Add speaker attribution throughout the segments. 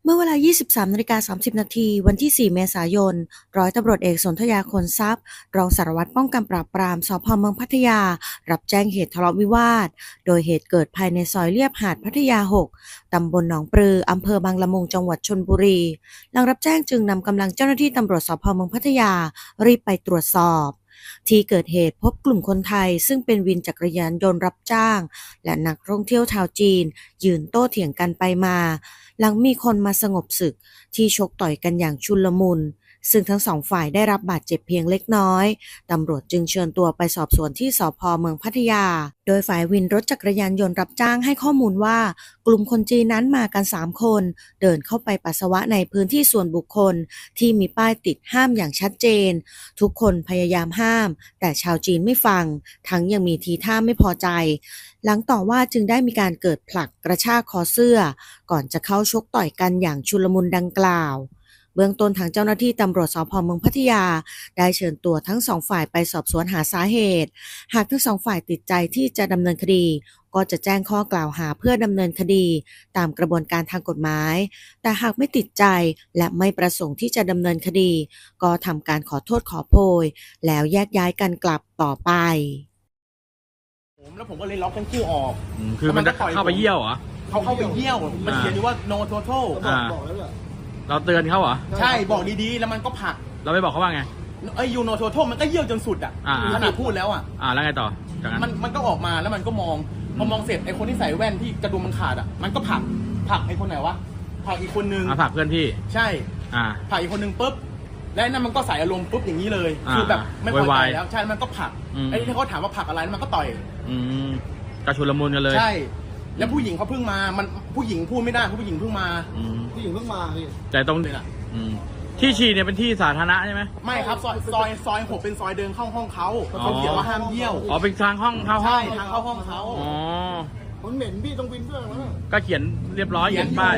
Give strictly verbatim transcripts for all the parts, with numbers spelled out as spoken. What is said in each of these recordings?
Speaker 1: เมื่อเวลา ยี่สิบสามนาฬิกาสามสิบนาที วันที่ สี่ เมษายน ร้อยตำรวจเอกสนธยา ขนทรัพย์ รองสารวัตรป้องกันปราบปราม สภ.เมืองพัทยา รับแจ้งเหตุทะเลาะวิวาท โดยเหตุเกิดภายในซอยเลียบหาดพัทยา หก ตำบลหนองปลือ อำเภอบางละมุง จังหวัดชลบุรี หลังรับแจ้งจึงนำกำลังเจ้าหน้าที่ตำรวจ สภ.เมืองพัทยา รีบไปตรวจสอบ ที่เกิดเหตุพบกลุ่มคนไทยซึ่งเป็นวินจักรยานยนต์รับจ้าง และนักท่องเที่ยวชาวจีน ยืนโต้เถียงกันไปมา หลังมีคนมาสงบศึกที่ชกต่อยกันอย่างชุลมุน ซึ่งทั้งสองฝ่ายได้รับบาดเจ็บเพียงเล็กน้อย ตำรวจจึงเชิญตัวไปสอบสวนที่สภ.เมืองพัทยา โดยฝ่ายวินรถจักรยานยนต์รับจ้างให้ข้อมูลว่ากลุ่มคนจีนนั้นมากัน สาม คน เดินเข้าไปปัสสาวะในพื้นที่ส่วนบุคคลที่มีป้ายติดห้ามอย่างชัดเจน ทุกคนพยายามห้าม แต่ชาวจีนไม่ฟัง ทั้งยังมีทีท่าไม่พอใจ หลังต่อว่าจึงได้มีการเกิดผลักกระชากคอเสื้อ ก่อนจะเข้าชกต่อยกันอย่างชุลมุนดังกล่าว เบื้องต้นทางเจ้าหน้าที่ตำรวจ สภ.เมืองพัทยา ได้เชิญตัวทั้งสองฝ่ายไปสอบสวนหาสาเหตุ หากทั้งสองฝ่ายติดใจที่จะดำเนินคดี ก็จะแจ้งข้อกล่าวหาเพื่อดำเนินคดีตามกระบวนการทางกฎหมาย แต่หากไม่ติดใจและไม่ประสงค์ที่จะดำเนินคดี ก็ทำการขอโทษขอโพย แล้วแยกย้ายกันกลับต่อไป
Speaker 2: ผมแล้วผมก็เลยล็อกทั้งคู่ออก
Speaker 3: อืมคือมันจะเข้าไปเยี่ยวเหรอ
Speaker 2: เขาเข้าไปเยี่ยว มันเขียนอยู่ว่า no total
Speaker 3: อ่าเราเตือนเขาเหรอ
Speaker 2: ใช่บอกดีๆ แล้วมันก็ผลัก
Speaker 3: เราไม่บอกเขาว่าไง
Speaker 2: ไอ้ you no total มันก็เยี่ยวจนสุดอ่ะ
Speaker 3: อ่า
Speaker 2: ขนาดพูดแล้วอ่ะ
Speaker 3: อ่าแล้วไงต่อจากนั้น
Speaker 2: มันมันก็ออกมาแล้วมันก็มองพอมองเสร็จไอ้คนที่ใส่แว่นที่กระดุมมันขาดอ่ะมันก็ผลักผลักไอ้คนไหนวะผลักอีกคนนึง
Speaker 3: มาฝากเพื่อนพี่
Speaker 2: ใช่
Speaker 3: อ่า
Speaker 2: ผลักอีกคนนึงปุ๊บแล้วไอ้นั่นมันก็ใส่อารมณ์ปุ๊บอย่างนี้เลย
Speaker 3: อ่า
Speaker 2: คือแบบไม่พอใจ
Speaker 3: วายๆ
Speaker 2: แล้วใช่มันก็ผลัก
Speaker 3: อืม
Speaker 2: ไอ้ที่เขาถามว่าผลักอะไรแล้วมันก็ต่อย
Speaker 3: อืมกระชุลมุนกันเลย
Speaker 2: ใช่ แล้วผู้หญิงเขาเพิ่งมามันผู้หญิงพูดไม่ได้เพราะผู้หญิงเพิ่งมา
Speaker 3: อืม
Speaker 4: ผู้หญิงเพิ่งมาพี่
Speaker 3: แต่ตรง
Speaker 2: นี่แหละ
Speaker 3: อืมที่ฉี่เนี่ยเป็นที่สาธารณะใช่ไหม
Speaker 2: ไม่ครับซอยซอยซอยหกเป็นซอยเดินเข้าห้องเขา
Speaker 3: อ๋อ
Speaker 2: เขาเขียนว่าห้ามเยี่ยว
Speaker 3: อ๋อเป็นทางห้องเข้าห้อ
Speaker 2: ใช่
Speaker 3: ง
Speaker 2: ทางเข้าห้องเขา
Speaker 3: อ๋อ
Speaker 4: มันเหม็นพี่ต้องวินด้วยมั้ง
Speaker 3: ก็เขียนเรียบร้อยเขียนป้าย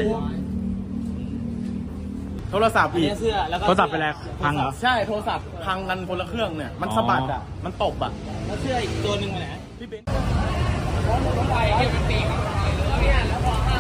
Speaker 2: โทรศัพท์อีก
Speaker 5: เสื้อแล้วก็
Speaker 3: โทรศัพท์ไปแล้วพังเหรอ
Speaker 2: ใช่โทรศัพท์พังกันคนละเครื่องเนี่ยมัน
Speaker 3: อ๋อ
Speaker 2: สะบัดอ่ะมันตบอ่ะ
Speaker 5: แล้วเสื้ออีกตัวหนึ่งไปไหน
Speaker 2: พี่เบน
Speaker 5: ไปให้มันตีครับเนี่ยแล้วพอห้าม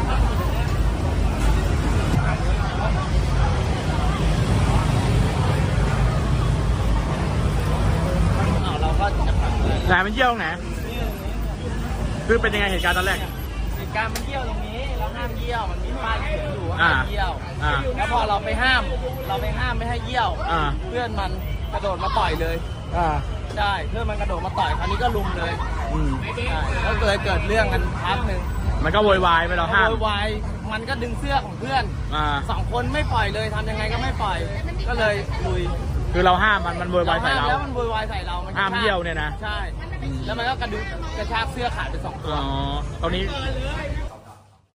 Speaker 5: อ้าวเราก็จะพังเลย
Speaker 3: ไหนมันเยี่ยวตรงไหนคือเป็นยังไงเหตุการณ์ตอนแรก
Speaker 5: เหตุการณ์มันเยี่ยวตรงนี้เราห้ามเยี่ยวมันมีป้ายเขียนอยู่ว่า
Speaker 3: อ่า
Speaker 5: ห้ามเยี่ยว
Speaker 3: อ่า
Speaker 5: แล้วพอเราไปห้าม เราไปห้ามไม่ให้เยี่ยว
Speaker 3: อ่า
Speaker 5: เพื่อนมันกระโดดมาต่อยเลย
Speaker 3: อ่า
Speaker 5: ใช่เพื่อนมันกระโดดมาต่อยคราวนี้ก็ลุมเลย
Speaker 3: อืม
Speaker 5: ใช่แล้วเลยเกิดเรื่องกันพักหนึ่ง
Speaker 3: มันก็โวยวายไปเราห้าม
Speaker 5: โวยวายมันก็ดึงเสื้อของเพื่อน
Speaker 3: อ่า
Speaker 5: สองคนไม่ปล่อยเลยทำยังไงก็ไม่ปล่อย ก็เลยลุย
Speaker 3: คือเราห้ามมันมันโวยวายใส่เรา
Speaker 5: แล้วมันโวยวายใส่เรามันกระชก
Speaker 3: ห้ามเยี่ยวเนี่ยนะ
Speaker 5: ใช่ แล้วมันก็กระดึงกระชากเสื้อขาดไปสองตัว
Speaker 3: อ๋อตรงนี้